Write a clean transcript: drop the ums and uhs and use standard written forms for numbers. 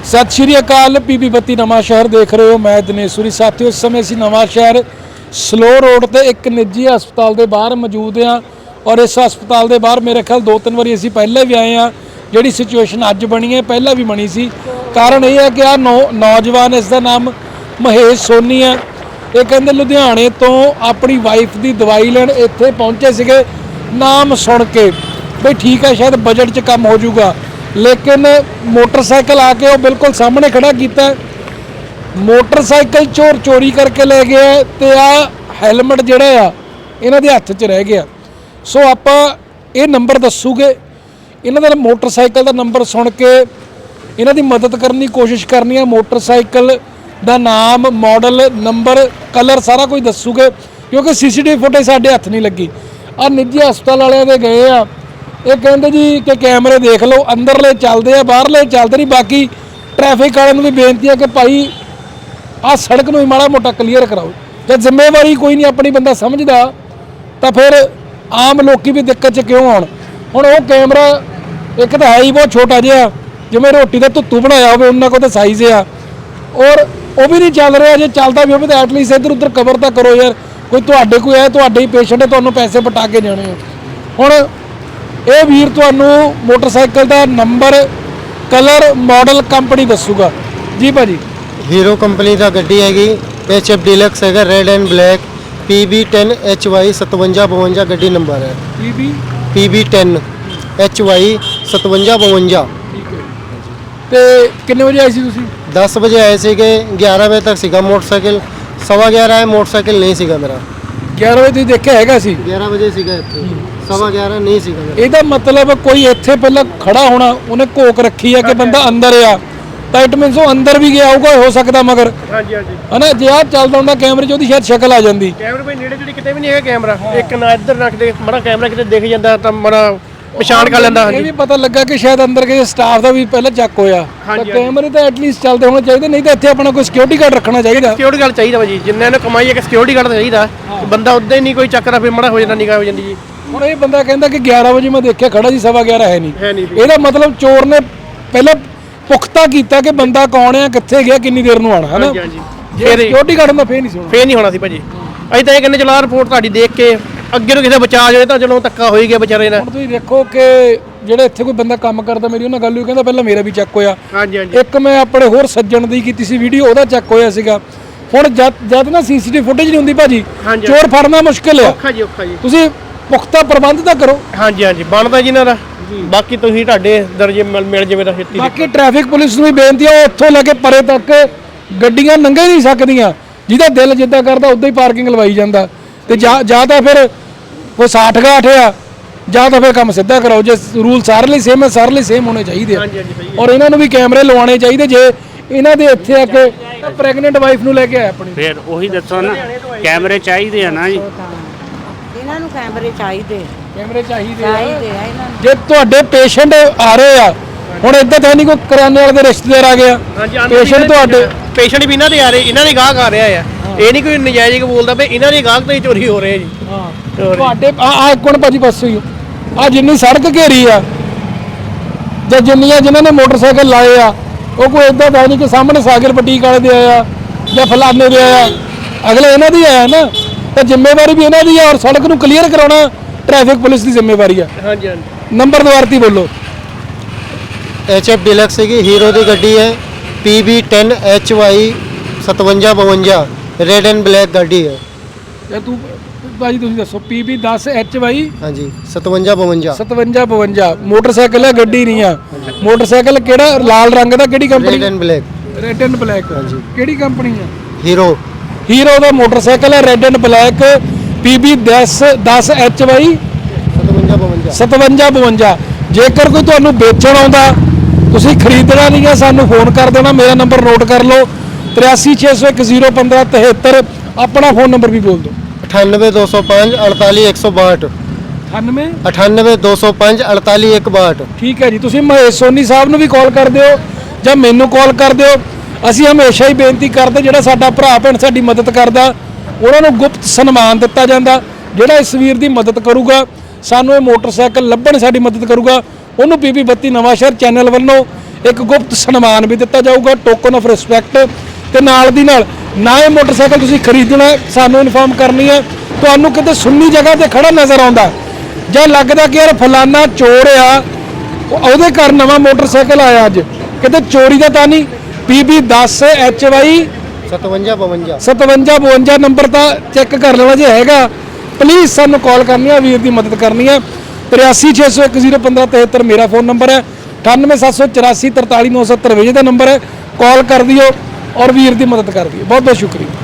सत श्री अकाल। PB 32 नवां शहर देख रहे हो, मैं दिनेशपुरी। साथियों, इस समय ਅਸੀਂ नवां शहर स्लो रोड ਤੇ ਇੱਕ ਨਿੱਜੀ ਹਸਪਤਾਲ ਦੇ ਬਾਹਰ ਮੌਜੂਦ ਹਾਂ ਔਰ ਇਸ ਹਸਪਤਾਲ ਦੇ ਬਾਹਰ ਮੇਰੇ ਖਿਆਲ 2-3 ਵਾਰੀ ਅਸੀਂ ਪਹਿਲੇ ਵੀ ਆਏ ਹਾਂ। ਜਿਹੜੀ ਸਿਚੁਏਸ਼ਨ ਅੱਜ ਬਣੀ ਹੈ ਪਹਿਲਾਂ ਵੀ ਬਣੀ ਸੀ। ਕਾਰਨ ਇਹ ਹੈ ਕਿ ਆ ਨੌਜਵਾਨ, ਇਸ ਦਾ ਨਾਮ ਮਹੇਸ਼ ਸੋਨੀ ਹੈ, ਇਹ ਕਹਿੰਦੇ ਲੁਧਿਆਣੇ ਤੋਂ ਆਪਣੀ ਵਾਈਫ ਦੀ ਦਵਾਈ ਲੈਣ ਇੱਥੇ ਪਹੁੰਚੇ ਸੀਗੇ। ਨਾਮ ਸੁਣ ਕੇ ਬਈ ਠੀਕ ਹੈ ਸ਼ਾਇਦ ਬਜਟ 'ਚ ਕੰਮ ਹੋ ਜਾਊਗਾ, लेकिन मोटरसाइकिल आके वो बिल्कुल सामने खड़ा किया, मोटरसाइकिल चोर चोरी करके ले गया तो आ हैलमेट जोड़ा इन्हों के हत्थ च रह गया। सो आप ये नंबर दसूगे, इन्हों का मोटरसाइकिल का नंबर सुन के इन्हों की मदद करने की कोशिश करनी है। मोटरसाइकिल का नाम, मॉडल, नंबर, कलर सारा कुछ दसूगे क्योंकि CCTV फुटेज साढ़े हत्थ नहीं लगी। आ निजी हस्पताल वाले दे गए आ, ये कहते जी कि कैमरे देख लो, अंदरले चलते हैं बाहरले चलते नहीं। बाकी ट्रैफिक वाले भी बेनती है कि भाई आ सड़क में माड़ा मोटा क्लीयर कराओ। जब जिम्मेवारी कोई नहीं अपनी बंदा समझदा तो फिर आम लोग भी दिक्कत च क्यों आउण। हुण वो कैमरा एक तो है ही बहुत छोटा जिहा, जिवें रोटी का धुत्तू बनाया होवे उन्ना को तो साइज़ आ, और वो भी नहीं चल रहा। जे चलता भी हो तो एटलीस्ट इधर उधर कवर तो करो यार। कोई तुहाडे कोई है, तुहाडे ही पेशेंट है, तुहानूं पैसे पटा के जाने हो। हुण ਇਹ ਵੀਰ ਤੁਹਾਨੂੰ मोटरसाइकिल का नंबर, कलर, मॉडल, कंपनी दसूगा जी। भाजी हीरो कंपनी का गड्डी हैगी, HF डीलक्स है, red and black, PB10 HY 5752 गड्डी नंबर है। PB10 HY 5752। ਤੇ ਕਿੰਨੇ ਵਜੇ ਆਏ ਸੀ ਤੁਸੀਂ? 10 ਵਜੇ ਆਏ ਸੀਗੇ, 11 ਵਜੇ ਤੱਕ ਸੀਗਾ ਮੋਟਰਸਾਈਕਲ। 11:15 ਹੈ, ਮੋਟਰਸਾਈਕਲ ਨਹੀਂ ਸੀਗਾ ਮੇਰਾ। 11 ਵਜੇ ਤੁਸੀਂ ਦੇਖਿਆ ਹੈਗਾ ਸੀ? 11 ਵਜੇ ਸੀਗਾ ਇੱਥੇ, 11:15 ਨਹੀਂ ਸੀਗਾ ਮੇਰਾ। ਇਹਦਾ ਮਤਲਬ ਕੋਈ ਇੱਥੇ ਪਹਿਲਾਂ ਖੜਾ ਹੋਣਾ, ਉਹਨੇ ਘੋਕ ਰੱਖੀ ਆ ਕਿ ਬੰਦਾ ਅੰਦਰ ਆ, ਤਾਂ ਇਟ ਮੀਨਸ ਉਹ ਅੰਦਰ ਵੀ ਗਿਆ ਹੋਊਗਾ, ਹੋ ਸਕਦਾ। ਮਗਰ ਹਾਂਜੀ ਹਾਂਜੀ ਹਨਾ, ਜੇ ਆ ਚੱਲਦਾ ਹੁੰਦਾ ਕੈਮਰੇ 'ਚ ਉਹਦੀ ਸ਼ਾਇਦ ਸ਼ਕਲ ਆ ਜਾਂਦੀ। ਕੈਮਰੇ ਭਾਈ ਨੇੜੇ ਤੇੜੇ ਕਿਤੇ ਵੀ ਨਹੀਂ ਹੈਗਾ ਕੈਮਰਾ, ਇੱਕ ਨਾ ਇੱਧਰ ਰੱਖਦੇ ਮਾੜਾ ਕੈਮਰਾ ਕਿਤੇ ਦਿਖ ਜਾਂਦਾ ਤਾਂ ਮਾੜਾ ਪਛਾਣ ਕਰ ਲੈਂਦਾ। ਇਹ ਵੀ ਪਤਾ ਲੱਗਾ ਕਿ ਸ਼ਾਇਦ ਅੰਦਰ ਕਿਸੇ ਸਟਾਫ ਦਾ ਵੀ ਪਹਿਲਾਂ ਚੱਕ ਹੋਇਆ, ਤਾਂ ਕੈਮਰੇ ਤਾਂ ਐਟਲੀਸਟ ਚੱਲਦੇ ਹੋਣੇ ਚਾਹੀਦੇ, ਨਹੀਂ ਤਾਂ ਇੱਥੇ ਆਪਣਾ ਕੋਈ ਸਿਕਿਉਰਿਟੀ ਗਾਰਡ ਰੱਖਣਾ ਚਾਹੀਦਾ। ਸਿਕਿਉਰਿਟੀ ਗਾਰਡ ਚਾਹੀਦਾ ਭਾਜੀ, ਜਿੰਨੇ ਨੂੰ ਕਮਾਈ ਹੈ ਕਿ ਸਿਕਿਉਰਿਟੀ ਗਾਰਡ ਚਾਹੀਦਾ। ਬੰਦਾ ਉੱਦਾਂ ਹੀ ਨਹੀਂ ਕੋਈ ਚੱਕਰਾ, ਫਿਰ ਮਾੜਾ ਹੋ ਜਾਂਦਾ, ਨਿਗਾਹ ਹੋ ਜਾਂਦੀ ਜੀ। ਹੁਣ ਇਹ ਬੰਦਾ ਕਹਿੰਦਾ ਕਿ 11 ਵਜੇ ਮੈਂ ਦੇਖਿਆ ਖੜਾ ਸੀ, 11:15 ਹੈ ਨਹੀਂ। ਇਹਦਾ ਮਤਲਬ ਚੋਰ ਨੇ ਪਹਿਲਾਂ ਪੁਖਤਾ ਕੀਤਾ ਕਿ ਬੰਦਾ ਕੌਣ ਹੈ, ਕਿੱਥੇ ਗਿਆ, ਕਿੰਨੀ ਦੇਰ ਨੂੰ ਆਣਾ, ਹੈ ਨਾ। ਜੇ ਸਿਕਿਉਰਿਟੀ ਗਾਰਡ ਹੁੰਦਾ ਫੇਰ ਨਹੀਂ ਹੋਣਾ ਸੀ ਭਾਜੀ। ਅਸੀਂ ਤਾਂ ਇਹ ਕਹਿੰਦੇ ਚਲੋ ਰਿਪੋਰਟ ਤੁਹਾਡੀ ਦੇਖ ਕੇ ਅੱਗੇ ਨੂੰ ਕਿਸੇ ਬਚਾ ਜਾਵੇ ਤਾਂ ਚਲੋ ਧੱਕਾ ਹੋ ਹੀ ਗਿਆ ਵਿਚਾਰੇ ਨਾਲ। ਹੁਣ ਤੁਸੀਂ ਦੇਖੋ ਕਿ ਜਿਹੜੇ ਇੱਥੇ ਕੋਈ ਬੰਦਾ ਕੰਮ ਕਰਦਾ, ਮੇਰੀ ਉਹਨਾਂ ਗੱਲ ਹੋਈ, ਕਹਿੰਦਾ ਪਹਿਲਾਂ ਮੇਰਾ ਵੀ ਚੈੱਕ ਹੋਇਆ। ਇੱਕ ਮੈਂ ਆਪਣੇ ਹੋਰ ਸੱਜਣ ਦੀ ਕੀਤੀ ਸੀ ਵੀਡੀਓ, ਉਹਦਾ ਚੈੱਕ ਹੋਇਆ ਸੀਗਾ। ਹੁਣ ਜਦ ਨਾ CCTV ਫੁਟੇਜ ਨਹੀਂ ਹੁੰਦੀ ਭਾਜੀ, ਚੋਰ ਫੜਨਾ ਮੁਸ਼ਕਿਲ ਆ। ਔਖਾ ਜੀ। ਤੁਸੀਂ ਪੁਖਤਾ ਪ੍ਰਬੰਧ ਤਾਂ ਕਰੋ। ਹਾਂਜੀ ਬਣਦਾ ਜੀ ਇਹਨਾਂ ਦਾ। ਬਾਕੀ ਤੁਸੀਂ ਤੁਹਾਡੇ ਦਰਜੇ ਮਿਲ ਜਾਵੇ ਤਾਂ ਛੇਤੀ। ਬਾਕੀ ਟ੍ਰੈਫਿਕ ਪੁਲਿਸ ਨੂੰ ਵੀ ਬੇਨਤੀ ਹੈ, ਉੱਥੋਂ ਲੈ ਕੇ ਪਰੇ ਤੱਕ ਗੱਡੀਆਂ ਲੰਘੇ ਨਹੀਂ ਸਕਦੀਆਂ, ਜਿਹਦਾ ਦਿਲ ਜਿੱਦਾਂ ਕਰਦਾ ਉੱਦਾਂ ਹੀ ਪਾਰਕਿੰਗ ਲਵਾਈ ਜਾਂਦਾ। ਤੇ ਜਾਂ ਤਾਂ ਫਿਰ ਕੋਈ 60-60 ਆ, ਜਾਂ ਤਾਂ ਫਿਰ ਕੰਮ ਸਿੱਧਾ ਕਰਾਓ। ਜੇ ਰੂਲ ਸਾਰੇ ਲਈ ਸੇਮ ਹੈ, ਸਾਰੇ ਲਈ ਸੇਮ ਹੋਣੇ ਚਾਹੀਦੇ ਆ। ਔਰ ਇਹਨਾਂ ਨੂੰ ਵੀ ਕੈਮਰੇ ਲਵਾਉਣੇ ਚਾਹੀਦੇ। ਜੇ ਇਹਨਾਂ ਦੇ ਇੱਥੇ ਆ ਕੇ ਪ੍ਰੈਗਨੈਂਟ ਵਾਈਫ ਨੂੰ ਲੈ ਕੇ ਆਇਆ ਆਪਣੀ, ਫਿਰ ਉਹੀ ਦੱਸੋ ਨਾ, ਕੈਮਰੇ ਚਾਹੀਦੇ ਆ ਨਾ ਜੀ। ਇਹਨਾਂ ਨੂੰ ਕੈਮਰੇ ਚਾਹੀਦੇ ਆ ਇਹਨਾਂ ਨੂੰ। ਜੇ ਤੁਹਾਡੇ ਪੇਸ਼ੈਂਟ ਆ ਰਹੇ ਆ, ਹੁਣ ਇੱਦਾਂ ਤਾਂ ਨਹੀਂ ਕੋਈ ਕਰਿਆਨੇ ਵਾਲੇ ਦੇ ਰਿਸ਼ਤੇਦਾਰ ਆ ਗਿਆ, ਪੇਸ਼ੈਂਟ ਤੁਹਾਡੇ ਪੇਸ਼ੈਂਟ ਵੀ ਇਹਨਾਂ ਦੇ ਆ ਰਹੇ, ਇਹਨਾਂ ਦੇ ਗਾਹਕ ਆ ਰਿਹਾ ਆ। ਇਹ ਨਹੀਂ ਕੋਈ ਨਜਾਇਜ਼ ਬੋਲਦਾ ਵੀ ਇਹਨਾਂ ਦੇ ਗਾਹਕ ਤੋਂ ਹੀ ਚੋਰੀ ਹੋ ਰਹੇ ਜੀ। ਤੁਹਾਡੇ ਆ ਇੱਕ ਮਿੰਟ ਭਾਜੀ ਬਸ ਹੋਈ ਆ, ਜਿੰਨੀ ਸੜਕ ਘੇਰੀ ਆ ਜਾਂ ਜਿੰਨੀਆਂ ਜਿਨ੍ਹਾਂ ਨੇ ਮੋਟਰਸਾਈਕਲ ਲਾਏ ਆ, ਉਹ ਕੋਈ ਇੱਦਾਂ ਦਾ ਨਹੀਂ ਕਿ ਸਾਹਮਣੇ ਸਾਗਰ ਬਟੀਕ ਵਾਲੇ ਦੇ ਆਇਆ ਜਾਂ ਫਲਾਣੇ ਦੇ ਆਇਆ, ਅਗਲੇ ਇਹਨਾਂ ਦੀ ਆਇਆ ਨਾ। ਤਾਂ ਜ਼ਿੰਮੇਵਾਰੀ ਵੀ ਇਹਨਾਂ ਦੀ ਆ, ਔਰ ਸੜਕ ਨੂੰ ਕਲੀਅਰ ਕਰਾਉਣਾ ਟ੍ਰੈਫਿਕ ਪੁਲਿਸ ਦੀ ਜ਼ਿੰਮੇਵਾਰੀ ਆ। ਹਾਂਜੀ ਨੰਬਰ ਦੁਬਾਰਤੀ ਬੋਲੋ। HF ਡਿਲਕਸ की हीरो की गड्डी है, PB10 HY 5752 red and black गाड़ी है। ਤੇ ਤੂੰ ਭਾਜੀ ਤੁਸੀਂ ਦੱਸੋ, PB10 HY ਹਾਂਜੀ 5752 5752 ਮੋਟਰਸਾਈਕਲ ਹੈ, ਗੱਡੀ ਨਹੀਂ ਆ। ਮੋਟਰਸਾਈਕਲ ਕਿਹੜਾ, ਲਾਲ ਰੰਗ ਦਾ, ਕਿਹੜੀ company? Red and black. Red and black, ਹਾਂਜੀ। ਕਿਹੜੀ ਕੰਪਨੀ ਆ? हीरो ਦਾ ਮੋਟਰਸਾਈਕਲ ਹੈ, red and black, PB10 HY 5752। ਜੇਕਰ ਕੋਈ ਤੁਹਾਨੂੰ ਵੇਚਣ ਆਉਂਦਾ, ਤੁਸੀਂ ਖਰੀਦਣਾ ਨਹੀਂ ਹੈ, ਸਾਨੂੰ ਫੋਨ ਕਰ ਦੇਣਾ। ਮੇਰਾ ਨੰਬਰ ਨੋਟ ਕਰ ਲਓ, 8360101573। ਆਪਣਾ ਫੋਨ ਨੰਬਰ ਵੀ ਬੋਲ ਦਿਓ। 98205 48162। 98205 48162। ਠੀਕ ਹੈ ਜੀ। ਤੁਸੀਂ ਮਹੇਸ਼ ਸੋਨੀ ਸਾਹਿਬ ਨੂੰ ਵੀ ਕਾਲ ਕਰ ਦਿਓ ਜਾਂ ਮੈਨੂੰ ਕਾਲ ਕਰ ਦਿਓ। ਅਸੀਂ ਹਮੇਸ਼ਾ ਹੀ ਬੇਨਤੀ ਕਰਦੇ, ਜਿਹੜਾ ਸਾਡਾ ਭਰਾ ਭੈਣ ਸਾਡੀ ਮਦਦ ਕਰਦਾ, ਉਹਨਾਂ ਨੂੰ ਗੁਪਤ ਸਨਮਾਨ ਦਿੱਤਾ ਜਾਂਦਾ। ਜਿਹੜਾ ਇਸ ਵੀਰ ਦੀ ਮਦਦ ਕਰੂਗਾ, ਸਾਨੂੰ ਇਹ ਮੋਟਰਸਾਈਕਲ ਲੱਭਣ ਸਾਡੀ ਮਦਦ ਕਰੂਗਾ, ਉਹਨੂੰ PB 32 ਨਵਾਂ ਸ਼ਹਿਰ ਚੈਨਲ ਵੱਲੋਂ ਇੱਕ ਗੁਪਤ ਸਨਮਾਨ ਵੀ ਦਿੱਤਾ ਜਾਊਗਾ, ਟੋਕਨ ਆਫ ਰਿਸਪੈਕਟ। ਤੇ ਨਾਲ ਦੀ ਨਾਲ ਨਾ ਇਹ ਮੋਟਰਸਾਈਕਲ ਤੁਸੀਂ ਖਰੀਦਣਾ ਹੈ, ਸਾਨੂੰ ਇਨਫੋਰਮ ਕਰਨੀ ਹੈ। ਤੁਹਾਨੂੰ ਕਿਤੇ ਸੁੰਨੀ ਜਗ੍ਹਾ ਤੇ ਖੜਾ ਨਜ਼ਰ ਆਉਂਦਾ ਜਾਂ ਲੱਗਦਾ ਕਿ ਯਾਰ ਫਲਾਨਾ ਚੋਰ ਆ, ਉਹਦੇ ਘਰ ਨਵਾਂ ਮੋਟਰਸਾਈਕਲ ਆਇਆ ਅੱਜ, ਕਿਤੇ ਚੋਰੀ ਦਾ ਤਾਂ ਨਹੀਂ, PB 10 HY 5752 5752 ਨੰਬਰ ਤਾਂ ਚੈੱਕ ਕਰ ਲੈਣਾ ਜੇ ਹੈਗਾ। ਪਲੀਜ਼ ਸਾਨੂੰ ਕਾਲ ਕਰਨੀ ਹੈ, ਵੀਰ ਦੀ ਮਦਦ ਕਰਨੀ ਹੈ। 8360101573 ਮੇਰਾ ਫੋਨ ਨੰਬਰ ਹੈ। 9874844970 ਦਾ ਨੰਬਰ ਹੈ। ਕਾਲ ਕਰ ਦਿਓ ਔਰ ਵੀਰ ਦੀ ਮਦਦ ਕਰ ਦਿਓ। ਬਹੁਤ ਬਹੁਤ ਸ਼ੁਕਰੀਆ।